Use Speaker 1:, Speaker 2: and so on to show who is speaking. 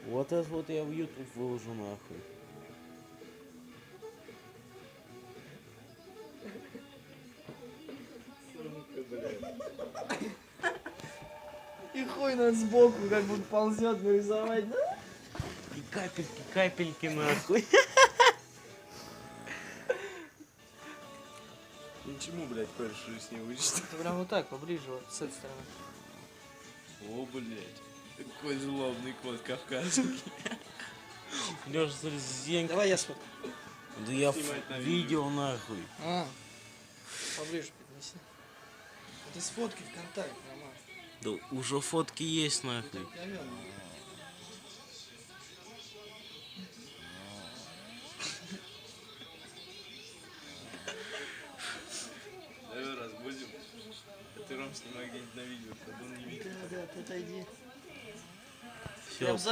Speaker 1: Вот это вот я в YouTube выложу нахуй.
Speaker 2: И хуй нас сбоку как будто ползет нарисовать, да?
Speaker 1: И капельки, капельки нахуй.
Speaker 3: Ничему, блядь, кое-что с ней вычитать.
Speaker 2: Прям вот так, поближе, вот с этой стороны.
Speaker 3: О, блядь. Такой злобный кот кавказский.
Speaker 1: Лёша, смотри, зенька.
Speaker 2: Давай я смотрю.
Speaker 1: Да я
Speaker 3: Снимать на
Speaker 1: видео нахуй.
Speaker 2: Поближе поднеси. Это с фотки ВКонтакте, Роман.
Speaker 1: Да уже фотки есть нахуй.
Speaker 3: Давай разбудим. А ты, Ром, снимай где-нибудь на видео, чтобы он не видел.
Speaker 2: Да, ты отойди.
Speaker 1: Все,